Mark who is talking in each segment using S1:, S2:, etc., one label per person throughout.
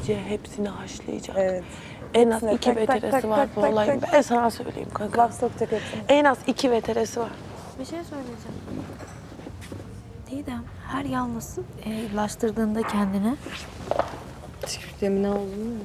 S1: iyice hepsini haşlayacak.
S2: Evet.
S1: En az
S2: Hepsine
S1: 2
S2: tak, tak,
S1: veteresi
S2: tak,
S1: var
S2: tak,
S1: bu
S2: tak,
S1: olayın.
S2: tak.
S1: Ben sana söyleyeyim kanka.
S2: Laf sokacak hepsini.
S1: En az 2 veteresi var.
S3: Bir şey söyleyeceğim. Didem her yalnız laştırdığında kendini,
S2: Demine oldu mu?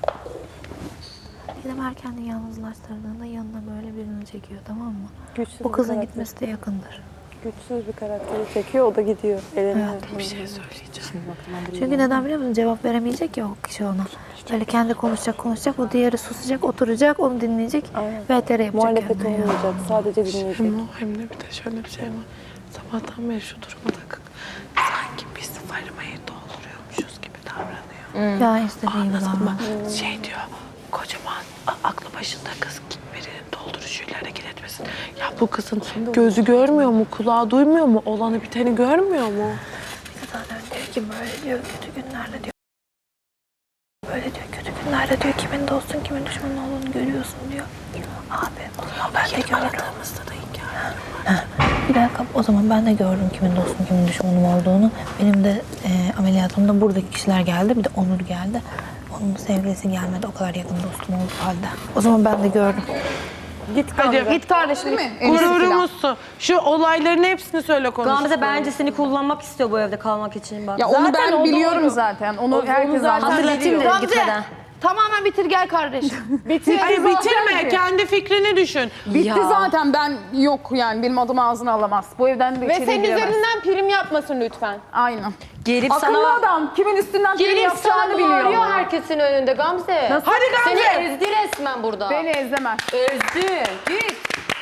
S3: Didem her kendini yalnızlaştırdığında yanına böyle birini çekiyor, tamam mı?
S2: Güçsüz
S3: Bu
S2: bir
S3: kızın
S2: karakter.
S3: gitmesi de yakındır.
S2: Güçsüz bir karakteri çekiyor, o da gidiyor. Elene
S1: Bir şey söyleyeceğim.
S3: Çünkü neden biliyor musun? Cevap veremeyecek ya o kişi ona. Böyle kendi konuşacak, o diğeri susacak, oturacak, onu dinleyecek
S2: Aynen.
S3: ve etere yapacak
S2: Muhalefet
S3: kendine.
S2: olmayacak, sadece dinleyecek.
S1: Hem de bir de şöyle bir şey var. Sabahtan beri şu duruma takık. Sanki biz Farime'yi dolduruyormuşuz gibi davranıyor.
S3: Ya istediği gibi
S1: Anladın mı?
S3: davran.
S1: Şey diyor, kocaman aklı başında kız git birinin dolduruşuyla hareket etmesin. Ya bu kızın gözü görmüyor mu, kulağı duymuyor mu, olanı biteni görmüyor mu?
S3: Bir de zaten diyor ki böyle diyor, kötü günlerde diyor. Böyle diyor, kötü günlerde diyor, kimin dostun, kimin düşmanın olduğunu görüyorsun diyor. Abi o zaman ben de gördüm.
S1: Aradığımızda da hikaye.
S3: Bir dakika, o zaman ben de gördüm kimin dostum, kimin düşmanım olduğunu. Benim de ameliyatımda buradaki kişiler geldi, bir de Onur geldi. Onun sevgilisi gelmedi, o kadar yakın dostum olduğu halde. O zaman ben de gördüm.
S2: Git Gamze.
S4: Git kardeşim.
S1: Gururumuzsun. Şu olayların hepsini söyle konuş.
S4: Gamze bence seni kullanmak istiyor bu evde kalmak için bak.
S5: Ya onu
S4: Zaten
S5: ben
S4: o
S5: biliyorum
S4: doğru.
S5: zaten. Onu herkes
S4: zaten
S5: zaten
S4: hatırlatayım
S5: biliyor.
S4: dedim gitmeden.
S6: Tamamen bitir gel kardeşim.
S1: Hayır bitirme, kendi fikrini düşün.
S5: Bitti zaten, ben yok yani benim adım ağzına alamaz. Bu evden de
S6: Ve
S5: içeri
S6: senin
S5: giremez.
S6: üzerinden prim yapmasın lütfen.
S5: Aynen.
S4: Gelip
S5: Akıllı
S4: sana
S5: adam kimin üstünden prim
S6: Gelip
S5: yapacağını
S6: sana
S5: biliyor.
S6: bağırıyor herkesin önünde Gamze.
S1: Hadi
S6: Seni
S1: Gamze.
S6: ezdi resmen burada.
S5: Beni ezlemez.
S6: ezdi. Git.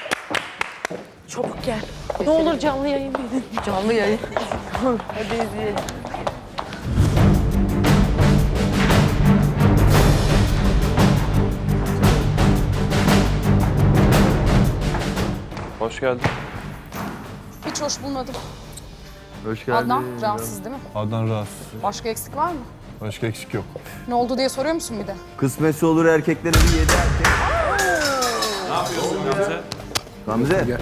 S1: Çabuk gel. Ne olur canlı yayın verin.
S4: Canlı yayın.
S2: Hadi izleyelim.
S7: Hoş geldin.
S5: Hiç hoş bulmadım.
S7: Hoş geldin.
S5: Adnan rahatsız değil mi?
S7: Adnan rahatsız.
S5: Başka eksik var mı?
S7: Başka eksik yok.
S5: Ne oldu diye soruyor musun bir de?
S8: Kısmetse olur erkeklere bir 7 erkek.
S7: Ne yapıyorsun Gamze?
S8: Gamze.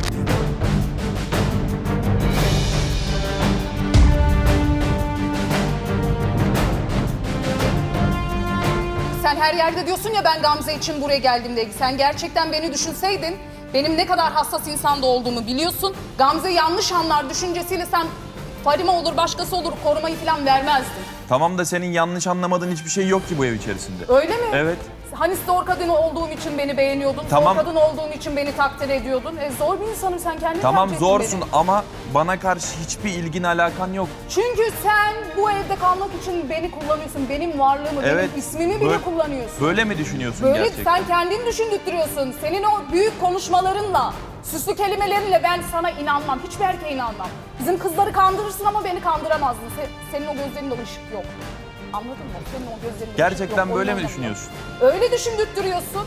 S5: Sen her yerde diyorsun ya ben Gamze için buraya geldim diye. Sen gerçekten beni düşünseydin, benim ne kadar hassas insanda olduğumu biliyorsun. Gamze yanlış anlar düşüncesiyle sen Farime olur, başkası olur korumayı falan vermezdin.
S9: Tamam da senin yanlış anlamadığın hiçbir şey yok ki bu ev içerisinde.
S5: Öyle mi?
S9: Evet.
S5: Hani zor kadın olduğum için beni beğeniyordun,
S9: Tamam.
S5: zor kadın olduğum için beni takdir ediyordun. Zor bir insanım, sen kendin
S9: Tamam
S5: tercih ettin
S9: zorsun
S5: beni.
S9: ama bana karşı hiçbir ilgin alakan yok.
S5: Çünkü sen bu evde kalmak için beni kullanıyorsun, benim varlığımı,
S9: Evet.
S5: benim ismimi bile
S9: Böyle-
S5: kullanıyorsun.
S9: Böyle mi düşünüyorsun
S5: Böyle
S9: gerçekten?
S5: sen kendin düşündürtüyorsun. Senin o büyük konuşmalarınla, süslü kelimelerinle ben sana inanmam. Hiçbir erkeğe inanmam. Bizim kızları kandırırsın ama beni kandıramazdın. Senin o gözlerinde ışık yok. Anladın mı? Senin o gözlerinde ışık yok.
S9: Gerçekten böyle mi
S5: Oyun
S9: düşünüyorsun?
S5: oynama. Öyle düşündürtüyorsun.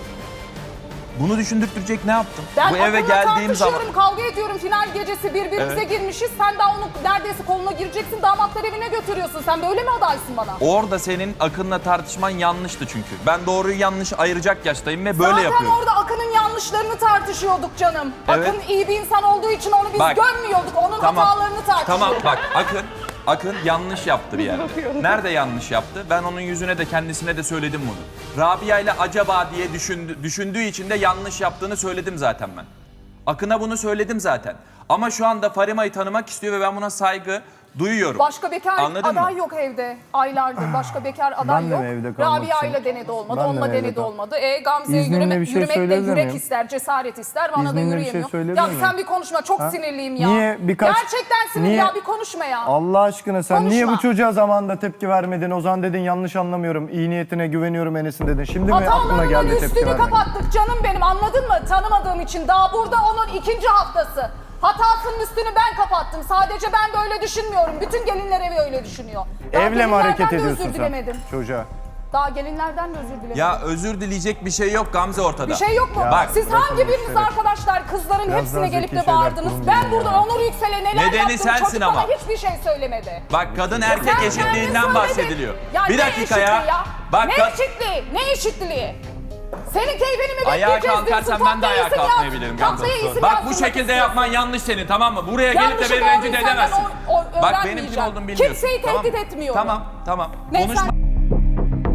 S9: Bunu düşündürtecek ne yaptım?
S5: Ben
S9: bu eve
S5: akılla
S9: geldiğim zaman...
S5: tartışıyorum, kavga ediyorum. Final gecesi birbirimize
S9: Evet.
S5: girmişiz. Sen daha onu neredeyse koluna gireceksin. Damatlar evine götürüyorsun. Sen böyle mi adaysın bana?
S9: Orada senin Akın'la tartışman yanlıştı çünkü. Ben doğruyu yanlış ayıracak yaştayım ve böyle
S5: Zaten
S9: yapıyorum.
S5: orada Akın'ın yanlışlarını tartışıyorduk canım.
S9: Evet.
S5: Akın iyi bir insan olduğu için onu biz
S9: Bak.
S5: görmüyorduk. Onun hatalarını tartışıyorduk.
S9: Tamam bak Akın yanlış yaptı bir yerde. Nerede yanlış yaptı? Ben onun yüzüne de kendisine de söyledim bunu. Rabia ile acaba diye düşündüğü için de yanlış yaptığını söyledim zaten ben. Akın'a bunu söyledim zaten. Ama şu anda Farima'yı tanımak istiyor ve ben buna saygı duyuyorum.
S5: Başka bekar
S9: Anladın
S5: aday
S9: mı?
S5: yok evde. Aylardır başka bekar aday
S10: Ben de
S5: yok.
S10: mi evde kalmak
S5: Rabia
S10: için?
S5: ile denedi olmadı,
S10: Ben de
S5: onunla
S10: mi evde
S5: denedi
S10: kal-
S5: olmadı. Gamze'ye
S10: İzninle bir şey
S5: yürümek de
S10: söyleyebilir
S5: yürek
S10: miyim?
S5: ister, cesaret ister. Bana da
S10: İzninle bir şey
S5: yürüyemiyor.
S10: söyleyebilir
S5: Ya
S10: miyim?
S5: sen bir konuşma, çok sinirliyim ya.
S10: Niye birkaç-
S5: Gerçekten sinirli
S10: Niye-
S5: ya, bir konuşma ya.
S10: Allah aşkına sen niye bu
S5: Konuşma.
S10: çocuğa zamanında tepki vermedin? Ozan dedin yanlış anlamıyorum. İyi niyetine güveniyorum Enes'in dedin. Şimdi mi aklına
S5: Hatalarının
S10: geldi tepki
S5: üstünü
S10: vermek?
S5: kapattık canım benim, anladın mı? Tanımadığım için daha burada onun 2. haftası. Hatasının üstünü ben kapattım. Sadece ben böyle düşünmüyorum. Bütün gelinler evi öyle düşünüyor. Daha
S10: Evle mi hareket
S5: gelinlerden de
S10: ediyorsun
S5: özür
S10: sen
S5: dilemedim.
S10: çocuğa?
S5: Daha gelinlerden de özür dilemedim.
S9: Ya özür dileyecek bir şey yok Gamze ortada.
S5: Bir şey yok mu?
S9: Bak,
S5: Siz
S10: bırakın
S5: hangi
S10: bu
S5: biriniz
S10: işleri.
S5: arkadaşlar kızların
S10: Biraz
S5: hepsine
S10: daha
S5: gelip
S10: zeki
S5: de
S10: şeyler
S5: bağırdınız?
S10: kurun
S5: Ben
S10: diye
S5: burada
S10: ya.
S5: Onur Yüksel'e neler
S9: Nedeni
S5: yaptım?
S9: sensin
S5: Çocuk
S9: ama.
S5: bana hiçbir şey söylemedi.
S9: Bak kadın erkek
S5: Sen kendin
S9: eşitliğinden
S5: söyledin.
S9: bahsediliyor.
S5: Ya
S9: Bir
S5: ne
S9: dakika ya.
S5: eşitliği
S9: Bak
S5: ne eşitliği? Ne eşitliği? Senin keyfini mi
S9: ayağa
S5: bekleyeceğiz
S9: kalkarsan
S5: diyorsun?
S9: ben de ayağa
S5: Tatlıya isim
S9: kalkmayabilirim
S5: yaz.
S9: Gamze.
S5: Tatlıya isim
S9: Bak bu
S5: yazdırmak
S9: şekilde
S5: istiyorsun.
S9: yapman yanlış senin, tamam mı? Buraya gelip de
S5: Yanlışı
S9: beni
S5: doğruysa
S9: rencide
S5: ben
S9: edemezsin. Bak benim kim
S5: öğrenmeyeceğim.
S9: olduğumu bilmiyorsun.
S5: Kimseyi
S9: tamam
S5: tehdit
S9: mı?
S5: etmiyorum.
S9: Tamam.
S5: Ne
S9: Konuşma.
S5: sen-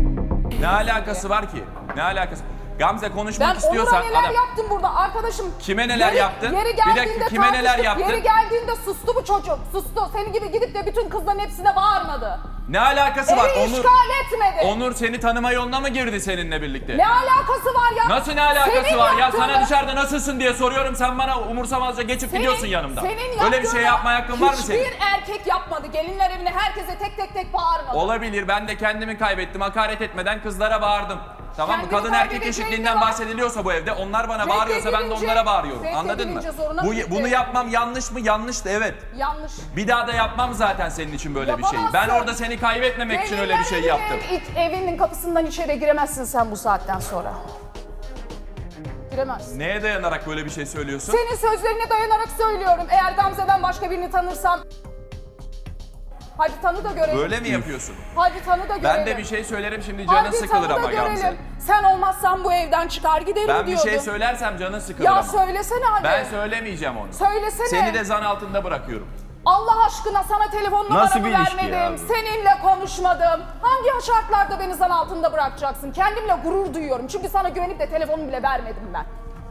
S9: Ne alakası var ki? Ne alakası? Gamze konuşmak
S5: Ben
S9: istiyorsan
S5: Onur'a neler yaptım burada arkadaşım.
S9: Kime neler yaptın?
S5: Yeri
S9: Bir dakika,
S5: geldiğinde
S9: kime neler
S5: tartıştık,
S9: yaptın?
S5: Yeri geldiğinde sustu bu çocuk. Sustu. Senin gibi gidip de bütün kızların hepsine bağırmadı.
S9: Ne alakası var?
S5: Evi işgal etmedi.
S9: Onur seni tanıma yoluna mı girdi seninle birlikte?
S5: Ne alakası var ya?
S9: Nasıl ne alakası
S5: Senin
S9: var ya?
S5: yaptığını-
S9: Sana dışarıda nasılsın diye soruyorum. Sen bana umursamazca geçip gidiyorsun yanımdan.
S5: Senin
S9: Öyle bir şey
S5: yaptığını
S9: yapma hakkın var mı senin?
S5: Hiçbir erkek yapmadı. Gelinler evine herkese tek tek bağırmadı.
S9: Olabilir. Ben de kendimi kaybettim. Hakaret etmeden kızlara bağırdım. Tamam mı?
S5: Kendini
S9: Kadın erkek
S5: kaybedeceğin
S9: eşitliğinden
S5: ne var?
S9: bahsediliyorsa bu evde onlar bana bağırıyorsa ben de
S5: Reddedilince-
S9: onlara bağırıyorum. Anladın mı?
S5: reddedilince zoruna
S9: Bu,
S5: gitti.
S9: bunu yapmam yanlış mı? Yanlıştı evet.
S5: Yanlış.
S9: Bir daha da yapmam zaten senin için böyle bir şeyi. Ben
S5: Yapamazsın.
S9: orada seni kaybetmemek için öyle bir şey
S5: Gelinler
S9: yaptım.
S5: Evinin kapısından içeri giremezsin sen bu saatten sonra. Giremezsin.
S9: Neye dayanarak böyle bir şey söylüyorsun?
S5: Senin sözlerine dayanarak söylüyorum. Eğer Gamze'den başka birini tanırsan... Hadi tanı da görelim.
S9: Böyle mi yapıyorsun?
S5: Hadi tanı da görelim.
S9: Ben de bir şey söylerim şimdi canın
S5: Hadi
S9: sıkılır
S5: tanı da
S9: ama Gamze.
S5: görelim. Sen olmazsan bu evden çıkar giderim
S9: Ben bir
S5: diyordun.
S9: şey söylersem canın sıkılır
S5: Ya
S9: ama.
S5: söylesene hadi.
S9: Ben söylemeyeceğim onu.
S5: Söylesene.
S9: Seni de zan altında bırakıyorum.
S5: Allah aşkına sana telefon
S8: Nasıl
S5: numaramı
S8: bir ilişki ya
S5: vermedim.
S8: bu?
S5: Seninle konuşmadım. Hangi şartlarda beni zan altında bırakacaksın? Kendimle gurur duyuyorum. Çünkü sana güvenip de telefonumu bile vermedim ben.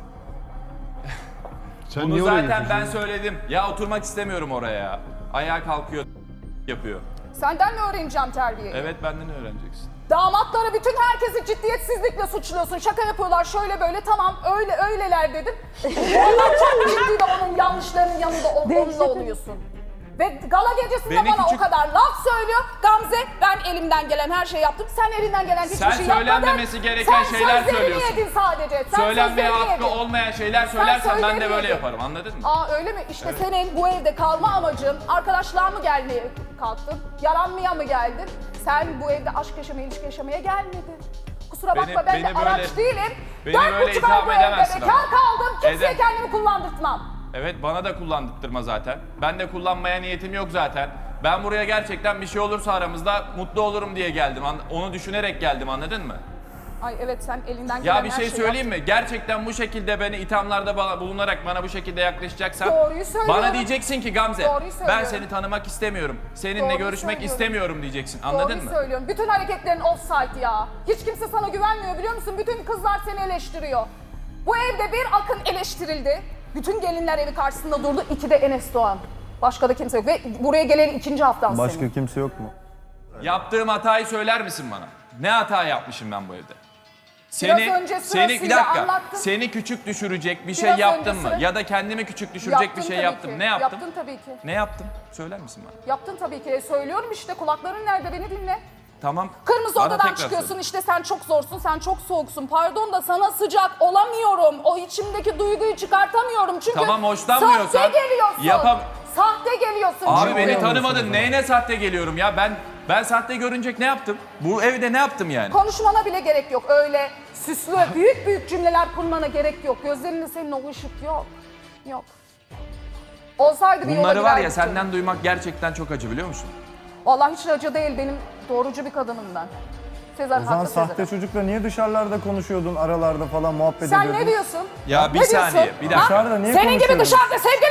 S7: Sen
S9: Bunu
S7: niye oraya
S9: zaten ben
S7: gidiyorsun?
S9: söyledim. Ya oturmak istemiyorum oraya ya. Ayağa kalkıyor yapıyor.
S5: Senden mi öğreneceğim terbiyeyi?
S9: Evet benden öğreneceksin.
S5: Damatları bütün herkesi ciddiyetsizlikle suçluyorsun. Şaka yapıyorlar şöyle böyle tamam öyleler dedim. Onlar çok ciddi de onun yanlışlarının yanında onunla oluyorsun. Ve gala gecesinde
S9: Beni
S5: bana
S9: küçük-
S5: o kadar laf söylüyor. Gamze ben elimden gelen her şeyi yaptım. Sen elinden gelen hiçbir
S9: Sen
S5: şey yapmadın.
S9: söylenmemesi gereken şeyler
S5: Sen
S9: söylüyorsun.
S5: sözlerini yedin sadece. Sen
S9: Söylenmeye
S5: sözlerini
S9: hakkı
S5: yedin.
S9: olmayan şeyler söylersen ben de
S5: sözlerini
S9: böyle
S5: yedin.
S9: yaparım anladın mı?
S5: Aa öyle mi? İşte senin bu evde kalma amacın arkadaşlığa mı gelmeye kalktın? Yaranmaya mı geldin? Sen bu evde aşk yaşamaya, ilişki yaşamaya gelmedin. Kusura bakma ben de
S9: beni
S5: araç
S9: böyle-
S5: değilim.
S9: beni
S5: 4,5
S9: böyle
S5: ay
S9: itham
S5: bu evde
S9: edemezsin
S5: bekar
S9: ama.
S5: kaldım. Kimseye
S9: Ede-
S5: kendimi kullandırtmam.
S9: Evet bana da kullandırtma zaten. Ben de kullanmaya niyetim yok zaten. Ben buraya gerçekten bir şey olursa aramızda mutlu olurum diye geldim. Onu düşünerek geldim anladın mı?
S5: Ay evet sen elinden gelen
S9: Ya bir
S5: her
S9: şey
S5: şeyi
S9: söyleyeyim mi? Gerçekten bu şekilde beni ithamlarda bulunarak bana bu şekilde yaklaşacaksan
S5: Doğruyu söylüyorum.
S9: bana diyeceksin ki Gamze
S5: Doğruyu
S9: ben
S5: söylüyorum.
S9: seni tanımak istemiyorum. Seninle
S5: Doğruyu
S9: görüşmek
S5: söylüyorum.
S9: istemiyorum diyeceksin. Anladın
S5: Doğruyu
S9: mı?
S5: söylüyorum. Bütün hareketlerin offside ya. Hiç kimse sana güvenmiyor biliyor musun? Bütün kızlar seni eleştiriyor. Bu evde bir Akın eleştirildi. Bütün gelinler evi karşısında durdu. 2 de Enes Doğan. Başka da kimse yok. Ve buraya gelen 2. haftan
S10: Başka
S5: senin.
S10: kimse yok mu?
S9: Yaptığım hatayı söyler misin bana? Ne hata yapmışım ben bu evde?
S5: Biraz önce
S9: bir
S5: sırasıyla
S9: dakika.
S5: anlattım.
S9: Seni küçük düşürecek bir şey
S5: Biraz
S9: yaptım
S5: önce
S9: mı?
S5: sıra-
S9: Ya da kendimi küçük düşürecek
S5: Yaptın
S9: bir şey
S5: tabii
S9: yaptım.
S5: ki.
S9: Ne yaptım?
S5: Yaptın tabii ki.
S9: Ne yaptım? Söyler misin bana?
S5: Yaptın tabii ki. Söylüyorum işte kulakların nerede beni dinle.
S9: Tamam.
S5: Kırmızı
S9: Bana
S5: odadan
S9: tekrar
S5: çıkıyorsun
S9: söyle.
S5: işte sen çok zorsun, sen çok soğuksun. Pardon da sana sıcak olamıyorum. O içimdeki duyguyu çıkartamıyorum. Çünkü
S9: Tamam, hoşlanmıyorsan
S5: sahte geliyorsun.
S9: yapam-
S5: Sahte geliyorsun.
S9: Abi
S5: çünkü.
S9: beni tanımadın. Neyine sahte geliyorum ya? Ben sahte görünecek ne yaptım? Bu evde ne yaptım yani?
S5: Konuşmana bile gerek yok. Öyle süslü, büyük cümleler kurmana gerek yok. Gözlerinde senin o ışık yok. Yok. Olsaydı bir yola
S9: Bunları var ya
S5: girerdik canım.
S9: senden duymak gerçekten çok acı biliyor musun?
S5: Vallahi hiç acı değil. Benim doğrucu bir kadınım ben. Sezer
S10: O zaman
S5: haklı
S10: sahte
S5: Sezer.
S10: çocukla niye dışarılarda konuşuyordun, aralarda falan muhabbet
S5: Sen
S10: ediyordun?
S5: ne diyorsun?
S9: Ya bir
S5: Ne
S9: saniye,
S5: diyorsun?
S9: bir dakika.
S10: Dışarıda niye
S5: Senin gibi
S10: konuşuyordun?
S5: dışarıda sevgili...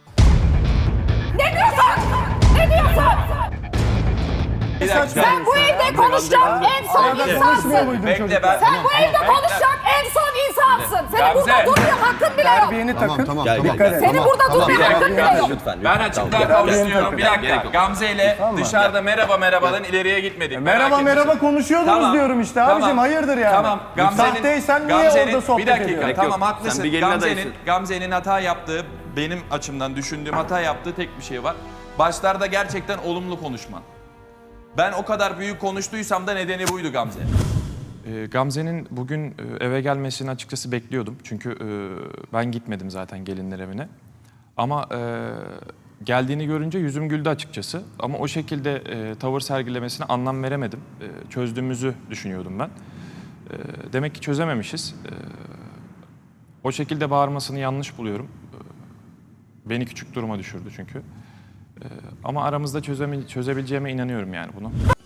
S5: Ne diyorsun? Ne diyorsun?
S9: Bir dakika.
S5: Sen bu evde konuşacak en son
S10: Arada konuşmuyor
S5: insansın.
S10: muydun
S9: Bekle
S10: çocukla?
S9: ben.
S5: Sen bu evde konuşacak en son insansın. Senin burada
S9: Gamze.
S5: durmaya hakkın bile yok.
S10: Terbiyeni takın. Dikkat et.
S5: Senin burada durmaya hakkın bile yok.
S9: Ben açıklığa kavuşturuyorum. Bir dakika. Gamze ile dışarıda merhabadan ileriye gitmedik.
S10: Merhaba
S9: Merak
S10: konuşuyordunuz
S9: Tamam.
S10: diyorum işte
S9: Tamam.
S10: abicim hayırdır yani.
S9: Tamam.
S10: Sahteysen niye orada sohbet
S9: bir dakika.
S10: ediyorsun?
S9: Tamam
S8: Yok,
S9: haklısın.
S8: sen bir gelin adayısın.
S9: Gamze'nin hata yaptığı, benim açımdan düşündüğüm hata yaptığı tek bir şey var. Başlarda gerçekten olumlu konuşman. Ben o kadar büyük konuştuysam da nedeni buydu Gamze. Gamze'nin bugün eve gelmesini açıkçası bekliyordum. Çünkü ben gitmedim zaten gelinler evine. Ama geldiğini görünce yüzüm güldü açıkçası. Ama o şekilde tavır sergilemesine anlam veremedim. Çözdüğümüzü düşünüyordum ben. Demek ki çözememişiz. O şekilde bağırmasını yanlış buluyorum. Beni küçük duruma düşürdü çünkü. Ama aramızda çözebileceğime inanıyorum yani bunu.